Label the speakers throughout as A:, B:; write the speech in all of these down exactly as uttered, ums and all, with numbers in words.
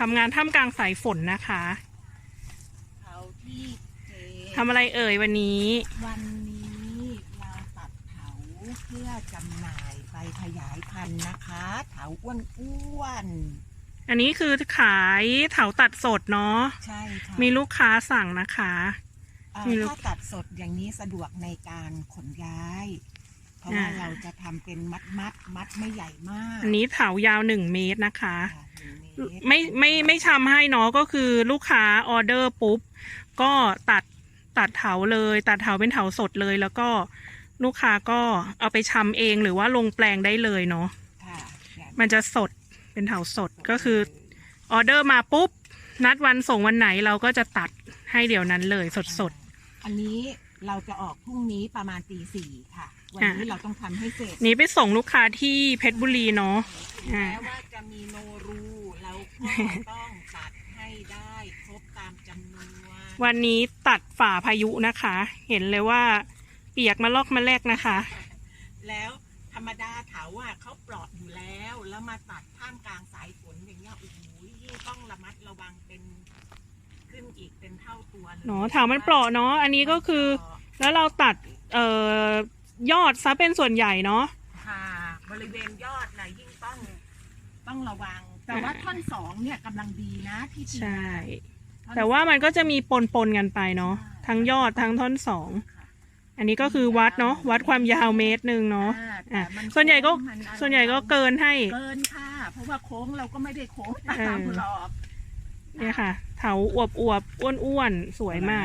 A: ทำงานท่ามกลางสายฝนนะคะ
B: เถาที่เจ
A: ทำอะไรเอ่ยวันนี้
B: วันนี้เราตัดเถาเพื่อจำหน่ายไปขยายพันธุ์นะคะเถาอ้วน
A: ๆอันนี้คือขายเถาตัดสดเนาะ
B: ใช่ค่ะ
A: มีลูกค้าสั่งนะคะ
B: ถ้าตัดสดอย่างนี้สะดวกในการขนย้ายเพราะว่าเราจะทำเป็นมัดมัดมัดไม่ใหญ่มาก
A: อันนี้เถายาวหนึ่งเมตรนะคะไม่ไม่ไม่ชำให้เนาะก็คือลูกค้าออเดอร์ปุ๊บก็ตัดตัดเถาเลยตัดเถาเป็นเถาสดเลยแล้วก็ลูกค้าก็เอาไปชำเองหรือว่าลงแปลงได้เลยเนาะมันจะสดเป็นเถาสดก็คือออเดอร์มาปุ๊บนัดวันส่งวันไหนเราก็จะตัดให้เดี๋ยวนั้นเลยสดสด
B: อันนี้เราจะออกพรุ่งนี้ประมาณตีสี่ค่ะวันนี้เราต้องทำให้เสร็จ
A: นี้ไปส่งลูกค้าที่เพชรบุรีเนาะ
B: แม้ว่าจะมีโนรูเราก็ต้องตัดให้ได้ครบตามจำนวน
A: วันนี้ตัดฝ่าพายุนะคะ เห็นเลยว่าเปียกมาลอกมาแลกนะคะ
B: แล้วธรรมดาเถาอ่ะเขาปลอดอยู่แล้วแล้วมาตัดท่ามกลางสายฝนอย่างเงี้ยโอ้โหยิ่งต้องระมัดระวังเป็นขึ้นอีกเป็นเท่าตัวเลย
A: เนาะเถามันปลอดเนาะอันนี้ก็คือแล้วเราตัดเอ่อยอดซะเป็นส่วนใหญ่เนาะ
B: ค่ะบริเวณยอดนะยิ่งต้องต้องระวังแต่ว่าท่อนสองเนี่ยกำลังดีนะที่
A: ใช่แต่ว่ามันก็จะมีปนปนกันไปเนาะทั้งยอดทั้งท่อนสองอันนี้ก็คือวัดเนาะวัดความยาวเมตรหนึ่งเนาะอ่ะส่วนใหญ่ก็ส่วนใหญ่ก็เกินให้
B: เกินค่ะเพราะว่าโค้งเราก็ไม่ได้โค้งตามหรอก
A: เนี่ยค่ะเถาอวบอวบอ้วนอ้วนสวยมาก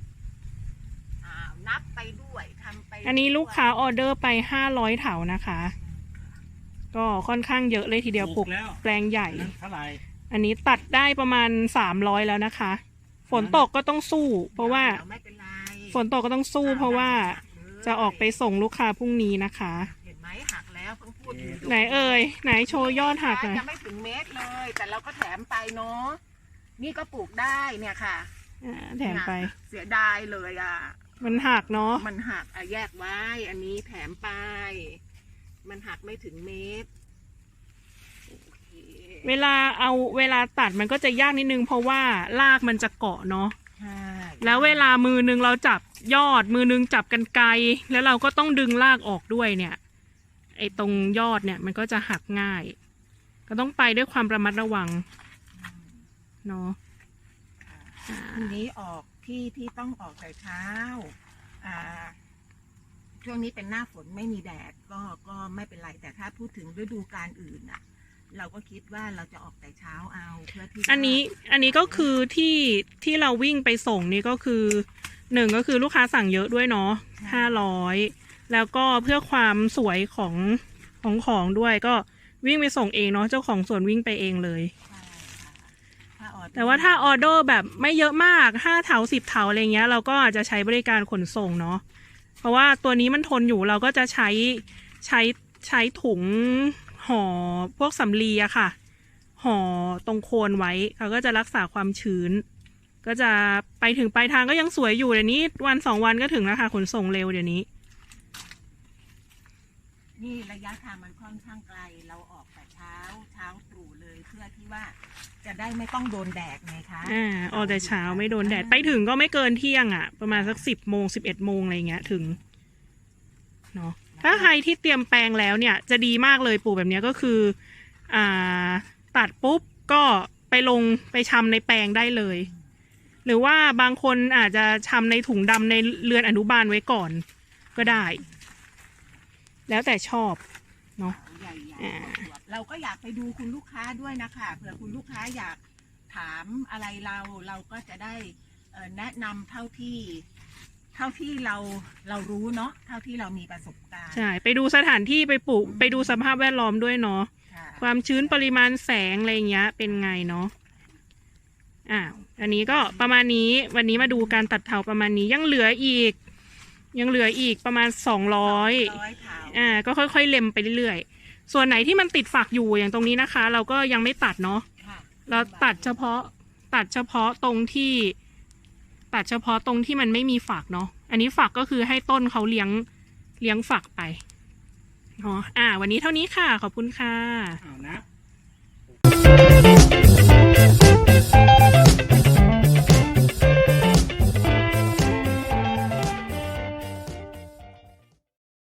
B: นับไปด้วยทำไป
A: อันนี้ลูกค้าออเดอร์ไปห้าร้อยเถานะคะก็ค่อนข้างเยอะเลยทีเดียวปลูกแปลงใหญ่อันนี้ตัดได้ประมาณสามร้อยแล้วนะคะฝนตกก็ต้องสู้เพราะว่าฝนตกก็ต้องสู้เพราะว่าจะออกไปส่งลูกค้าพรุ่งนี้นะคะ
B: เห็นไหมหักแล้วเพิ่งพูดอยู่
A: ไหนเอ่ยไหนโชว์ยอดหักเลย
B: ยังไม่ถึงเมตรเลยแต่เราก็แถมไปเนาะนี่ก็ปลูกได้เนี่ยค่ะ
A: แถมไป
B: เสียดายเลยอ่ะ
A: มันหักเนาะ
B: มันหักอ่ะแยกไว้อันนี้แถมไปมันหักไม่ถึงเมตร
A: เวลาเอาเวลาตัดมันก็จะยากนิดนึงเพราะว่ารากมันจะเกาะเนาะแล้วเวลามือนึงเราจับยอดมือนึงจับกันไกลแล้วเราก็ต้องดึงรากออกด้วยเนี่ยไอ้ตรงยอดเนี่ยมันก็จะหักง่ายก็ต้องไปด้วยความระมัดระวังเนาะ
B: ทีนี้ออกที่ที่ต้องออกแต่เช้าอ่าช่วงนี้เป็นหน้าฝนไม่มีแดดก็ก็ไม่เป็นไรแต่ถ้าพูดถึงฤดูกาลอื่นอ่ะเราก็คิดว่าเราจะออกแต่เช้าเอาเพื่อที่
A: อันนี้อันนี้ก็คือที่ที่เราวิ่งไปส่งนี่ก็คือหนึ่งก็คือลูกค้าสั่งเยอะด้วยเนาะห้าร้อยแล้วก็เพื่อความสวยของของของด้วยก็วิ่งไปส่งเองเนาะเจ้าของสวนวิ่งไปเองเลยแต่ว่าถ้าออเดอร์แบบไม่เยอะมากห้าเถาสิบเถาอะไรเงี้ยเราก็อาจจะใช้บริการขนส่งเนาะเพราะว่าตัวนี้มันทนอยู่เราก็จะใช้ใช้ใช้ถุงห่อพวกสำลีอะค่ะห่อตรงโคนไว้เขาก็จะรักษาความชื้นก็จะไปถึงปลายทางก็ยังสวยอยู่เดี๋ยวนี้วันสองวันก็ถึงแล้วค่ะขนส่งเร็วเดี๋ยวนี้
B: นี่ระยะทางมันค่อนข้างไกลเราออกแต่เช้าเช้าตรู่เลยเพื่อที่ว่าจะได้ไม่ต้องโดนแดดไงคะ
A: อ่าออกแต่เช้าไม่โดนแดดไปถึงก็ไม่เกินเที่ยงอ่ะประมาณสักสิบโมงสิบเอ็ดโมงอะไรเงี้ยถึงเนาะถ้าใครที่เตรียมแปลงแล้วเนี่ยจะดีมากเลยปลูกแบบนี้ก็คืออ่าตัดปุ๊บก็ไปลงไปชำในแปลงได้เลยหรือว่าบางคนอาจจะชำในถุงดำในเรือนอนุบาลไว้ก่อนก็ได้แล้วแต่ชอบเนาะ
B: เราก็อยากไปดูคุณลูกค้าด้วยนะคะเผื่อคุณลูกค้าอยากถามอะไรเราเราก็จะได้แนะนำเท่าที่เท่าที่เราเรารู้เนาะเท่าที่เรามีประสบการณ์
A: ใช่ไปดูสถานที่ไปปลูกไปดูสภาพแวดล้อมด้วยเนาะความชื้นปริมาณแสงอะไรเงี้ยเป็นไงเนาะอ่าอันนี้ก็ประมาณนี้วันนี้มาดูการตัดเถาประมาณนี้ยังเหลืออีกยังเหลืออีกประมาณสองร้อยอ่าก็ค่อยๆเล็มไปเรื่อยๆส่วนไหนที่มันติดฝักอยู่อย่างตรงนี้นะคะเราก็ยังไม่ตัดเนาะเราตัดเฉพาะตัดเฉพาะตรงที่ตัดเฉพาะตรงที่มันไม่มีฝักเนาะอันนี้ฝักก็คือให้ต้นเขาเลี้ยงเลี้ยงฝักไปอ๋ออ่าวันนี้เท่านี้ค่ะขอบคุณค่ะ